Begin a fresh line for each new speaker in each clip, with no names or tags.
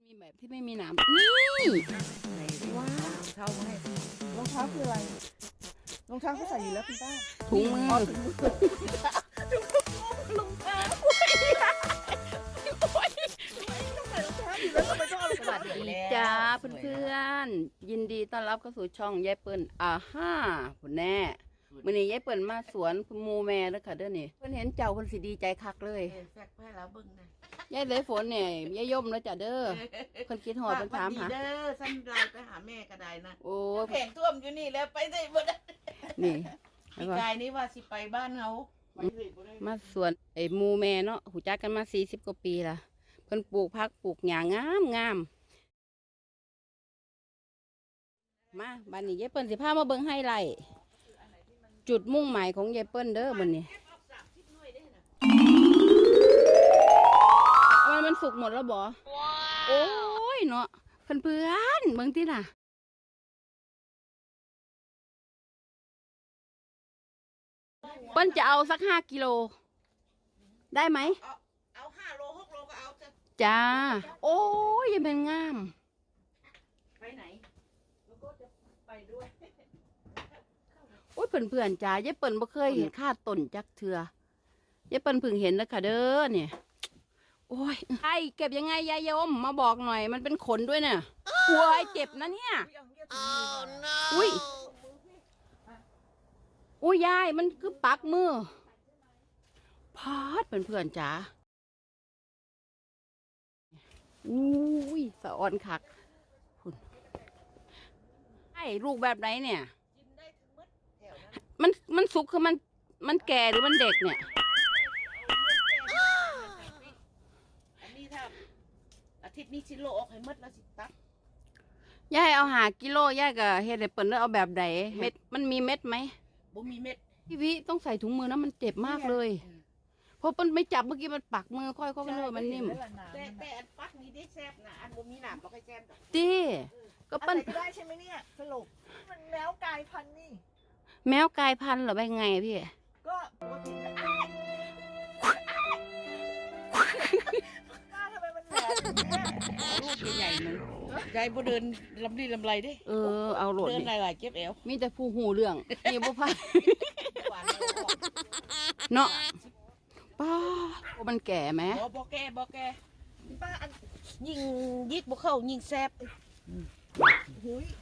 มีแบบที่ไม่มีหนามนี่ว้าว
เท้าให้
รองเท้าคืออะไรรองเท้าเขาใส่อยู่แล้วคุณป้า
ถุงมือ
รองเท้าโอ้ยต้องใส่รองเท้าอยู่แล้วทำไมต้องเอารอง
ส
เท้า
วัสดีแล้ว
จ้าเพื่อนๆยินดีต้อนรับเข้าสู่ช่องยายเปิ้ลฮ่าคุณแน่มื้อนี้ยายเปิ้ลมาสวนหมูแม่แล้วค่ะเด้อนี่เพิ่นเห็นเจ้าเพิ่นสิดีใจคักเลย
แฟกให้เราเบิ่งนะ
ยายเลยฝนเนี่ยยายย่มแล้วจ้ะเด้อเพิ่นคิดฮอดเพิ่นถามหา
เด้อสั้นไลน์ไปหาแม่ก็ได้นะ
โอ้ย
แผงท่วมอยู่นี่แล้วไปได้บ่ได้
นี่
พี่กายนี่ว่าสิไปบ้านเฮา
มาสวนไอ้หมูแม่เนาะหูจักกันมา40กว่าปีละเพิ่นปลูกผักปลูกหญ้างามงามมาบัดนี้ยายเปิ้ลสิพามาเบิ่งไฮไลท์จุดมุ่งหมายของยายเปิ้ลเด้อบัดนี้มันสุกหมดแล้วบ่โอ้ยเนาะเพื่อนเบิ่งติล่ะเปิ้ลจะเอาสัก5 กิโลได้ไหม
เอา5 โล 6 โลก็เอาจะ
จ้าโอ้ยยังเป็นงาม
ไปไหนแล้วก็จะไปด้วย
โอ้ยเพื่อนๆจ้ายายเปิ้ลบ่เคยเห็นค่าต้นจักเทือยายเปิ้ลเพิ่งเห็นแล้วค่ะเด้อเนี่ยโอ้ยไอเก็บยังไงยายยมมาบอกหน่อยมันเป็นขนด้วยเนี่ยโอ้ยเจ็บนะเนี่ยอุ้ยอุ้ยยายมันคือปักมือพาดเพื่อนๆจ้าอุ้ยสะออนคักคุณไอ้ลูกแบบไหนเนี่ย
กินได้ทั้งหมดแถวนั้น
มันสุกคือมันแก่หรือมันเด็กเนี่ย
อันนี้ถ้าอาทิตย์นี้สิโลออกให้หมดแล้วสิตัก
ยายเอา5 กิโลยายก็เฮ็ดให้เปิ้นแล้วเอาแบบใดเม็ดมันมีเม็ดไหม
บ่มีเม็ด
พี่วิต้องใส่ถุงมือนะมันเจ็บมากเลยเพราะเปิ้นไม่จับเมื่อกี้มันปักมือค่อยๆเลยมันนิ่ม
แต่อันปักนี้ได้แซ่บนะอันบ่มีหนามบ่ค่อยแซ่บดอก
ตีก็
อั
เปิ้
น
น
ไหนก็ได้ใช่ไหมเนี่ยสรุปมันแมวกลายพันธุ์นี่
แมวกลายพันธุ์เหรอไปไงพี่
ก็ปกติป้าทำไมมันแหลมอย่างเงี้ย
ลูกใหญ่ๆนึงยายบ่เดินลำลีลำไรเด้
เอาโหลด
เดิน
ดิ
หลายๆเจ็บแอว
มีแต่ผู้หูเรื่องนี่บ่พา
หวานเลยออก
เนาะป้าโอ้มันแก่ไหม
บ่แก่บ่แก่
ป้าอัน
ยิ่งยิกบ่เข้ายิ่งแซ่บ
หุย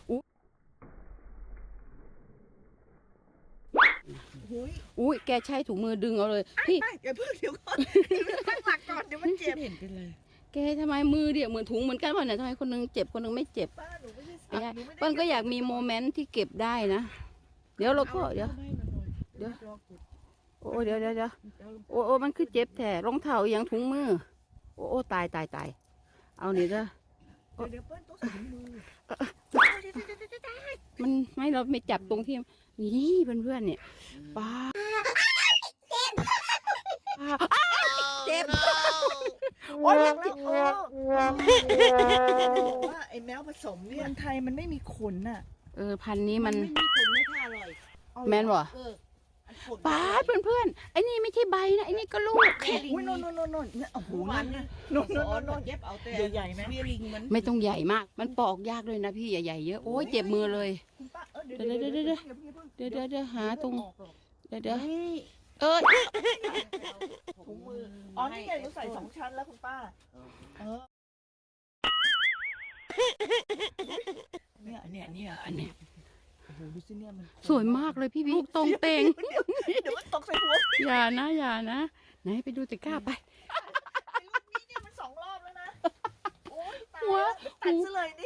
หุย
อุ้ยแกใช้ถุงมือดึงเอาเลยพี่
ไม่อย่าเพิ่งเดี๋ยวก่อนตั้งหลักก่อนเดี๋ยวมันเจ็บ
เห็นเป็นไร
แกทำไมมือเดียวเหมือนถุงเหมือนกันวะเนี่ยทำไมคนนึงเจ็บคนนึงไม่เจ็บ
ป้าหนูไม่ได้
ไม่ได้
หนูไม่ได้
เปิ้ลก็อยากมีโมเมนต์ที่เก็บได้นะ เดี๋ยวเราก็เดี๋ยวโอ้เดี๋ยวโอ้มันคือเจ็บแท้รองเท้าอหย่างถุงมือโอ้ตายเอานี่เด้อ
เดี๋ยวเปิ้ลต้องใส่ถุงมือ
มันไม่เราไม่จับตรงที่นี่เพื่อนๆเนี่ยป้าเจ็บโอ้ย
แล้วว่าไอ้แมวผสมเนี่ยคนไทยมันไม่มีขนน่ะ
พันธุ์นี้มัน
ไม่มีคนไม่ค่าอร่อย
แมนบ่
อันผล
ป้าเพื่อนๆไอ้นี่ไม่ใช่ใบนะไอ้นี่ก็ลูก
อุ้ยโน่นโอ้โห
หวา
นั่
น
น
นะ
โน่น
เย็บเอาแต่
ใหญ่ๆไหม
เบี้ยลิงมัน
ไม่ต้องใหญ่มาก มันปอกยากเลยนะพี่ใหญ่ๆเยอะโอ้ยเจ็บมือเลย
คุณป้าเดี๋ยว
เดี๋ยวหาตรงเดี๋ยว
นี่
ถุงมืออ๋อนี่ไงหนูใส่2 ชั้นแล้วคุณป้าเนี่ย
อันนี้
โอ้โหดูสิเนี่ยมัน
สวยมากเลยพี่ลูกตรงเตง
เดี๋ยวมันตกใส่หัว
อย่านะไหนไปดูตะกร้าไป
ไอ้ลูกนี้เนี่ยมัน2 รอบแล้วนะโอ้ยตาย
หัว
ตัดซะเลยนี่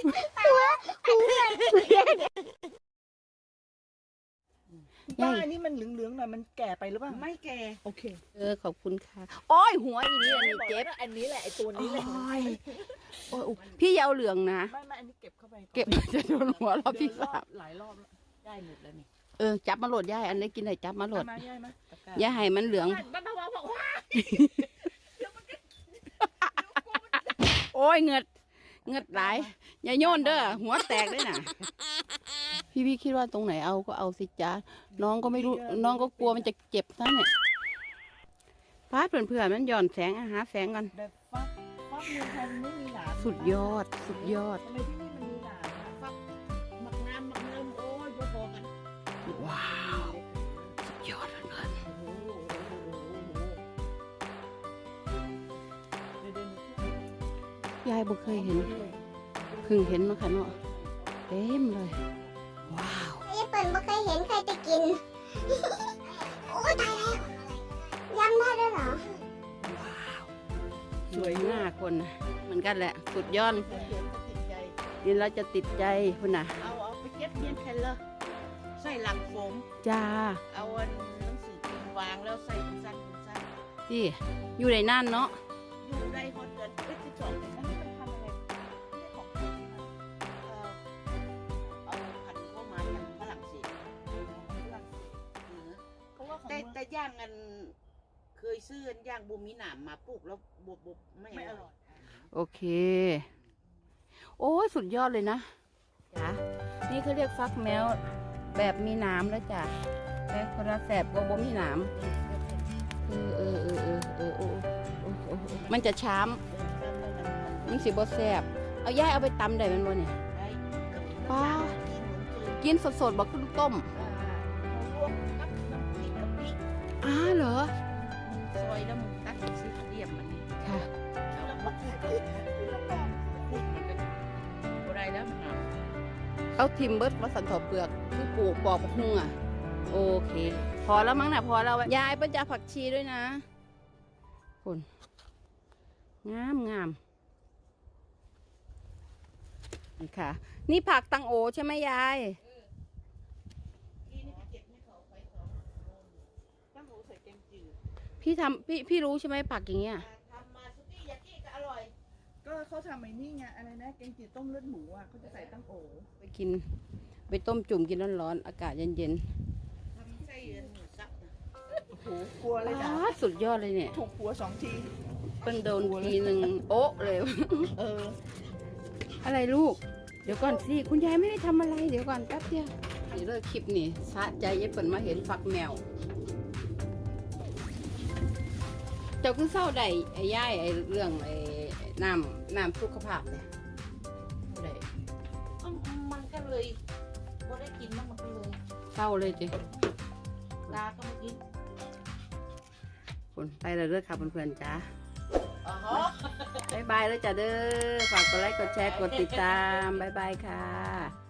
ป้านี่มันเหลืองๆหน่อยมันแก่ไปหรือเปล่า
ไม่แก่
โอเค
ขอบคุณค่ะโอ้ยหัวอีนี่อันนี้เจ็บ
อันนี้แหละไอ้ตัวนี้แหละ
โอ้ยพี่อยาเอาเหลืองนะ
ไม่อันนี้เก็บเข้าไป
เก็บจะโดนหัวรอบที่ 3
หลายรอบแล้ว
ได้หมดแล้วนี่
จับมาโหลดย่ายอันนี้กินไหนจับมาโหลด
มาย่ายมา
ย่าให้มันเหลือง
บ้าบอกว่า
โอ้ยเงือดหลายอย่าโยนเด้อหัวแตกได้น่ะ พี่คิดว่าตรงไหนเอาก็เอาสิจ้าน้องก็ไม่รู้น้องก็กลัวมันจะเจ็บซะเนี่ยฟ้าเพื่อนๆมันหย่อนแสงหาแสงกัน
แบบฟับฟักเมืองไทยมันไม่มีหนาม
สุดยอดสุดยอด
ทำไมที่นี่มันมีหนามอะ
ฟักหมักน้ำหมักเนิ่มโอ้ยพอๆกัน
ว้าวสุดยอดเพื่อน
โอ้โห
ๆยายบ่เคยเห็นเพิ่งเห็นเนาะค่ะเนาะเต็มเลยว้าว
ไอ้เปิ่นไม่เคยเห็นใครจะกิน โอ้ยตายแล้วยำได้ด้วยเหรอ
ว้าวสวยมากคนน่ะเหมือนกันแหละสุดยอด
เดี๋ยวจะติดใจ
กินแล้วจะติดใจคุณน่ะ
เอาไปเก็บเมียนแคนเลอร์ใส่หลังโฟม
จ้า
เอาอันหนังสือพิมพ์วางแล้วใส่เป็นสั้นเป็นสั้น
ที่อยู่ในนั่นเนาะ
อยู่ได้ฮอดเดือน12
อันนี้มันทำอะไรไม่ใช่ของไทยใช่ไหม
เอาพันธุ์เข้ามาจากฝรั่งเศส
เพราะว่าของ
แต่
เมือง
แต่ย่างกันเคยซื้อย่างบูมีหนามมาปลูกแล้วบบไม่
ไม่
อ
อ
ร่
ร่
อ
อย ย
โอเค โอ้ยสุดยอดเลยนะจ้านี่เขาเรียกฟักแมวแบบมีหน้ำแล้วจ้ะแต่คนละแสบกว่าบ่มีหน้ำมันจะช้ำมันสิบ่แสบเอาย่ายเอาไปตำได้แมันบ่เนี่ย ว้าว กินสดๆบ่ขึ้นต้ม
ลวกกับน้ำพริกกะปิ
อ้าเหรอ
ซอยแล้วมึงตัดซีเรียมมันนี่
ค่ะ
แล้วก็พูดมันก็บ่ได้แล้วมันหนาว
เอาทิมเบิร์ดมาสันถอเปลือกคือปลูกปอกหุ่งอ่ะ โอเค พอแล้วมั้งนะพอแล้วยายเปิ้ลจะผักชีด้วยนะคุณงามงามนี่ค่ะ นี่ผักตังโอใช่ไหมยาย
พี่นี่ไปเก็บให้เขาไป2 โล
ตั้งหูใส่แกงจืด
พี่รู้ใช่ไหมผักอย่างเงี้ย
ทำมาสุกี้ยากิก็อร่อย
ก็เขาทำไอ้นี่ไงอะไรนะแกงจืดต้มเลือดหมูอ่ะเขาจะใส่ตั้งโอ
ไปกิน ไปต้มจุ่มกินร้อนๆอากาศเย็น
ทำไส้หมูสับนะ
โอ้โหกลัวเลยนะ
ๆสุดยอดเลยเนี่ย
ถูกหัว2 ที
เปิ้ลโดนทีหนึ่งโอ๊ะเลย
เออ
อะไรลูก เดี๋ยวก่อนสิ คุณยายไม่ได้ทำอะไร เดี๋ยวก่อนแป๊บเดียวนี่เลิกคลิปนี่สะใจยายเปิ่นมาเห็นฝักแมว เจ้าคือเศร้าใดไอ้ย่ายไอ้เรื่องไอ้น้ำสุขภาพเนี่ยได้
มันก็เลยบ่ได้กินมันก็เลย
เศร้าเลยจิ
ตาก็มากิน
คนไปเลยเด้อค่ะเพื่อนๆจ้า
อ๋อ
บ๊ายบายแล้วจ้าเด้อ ฝากกดไลค์ กดแชร์ กดติดตาม บ๊ายบายค่ะ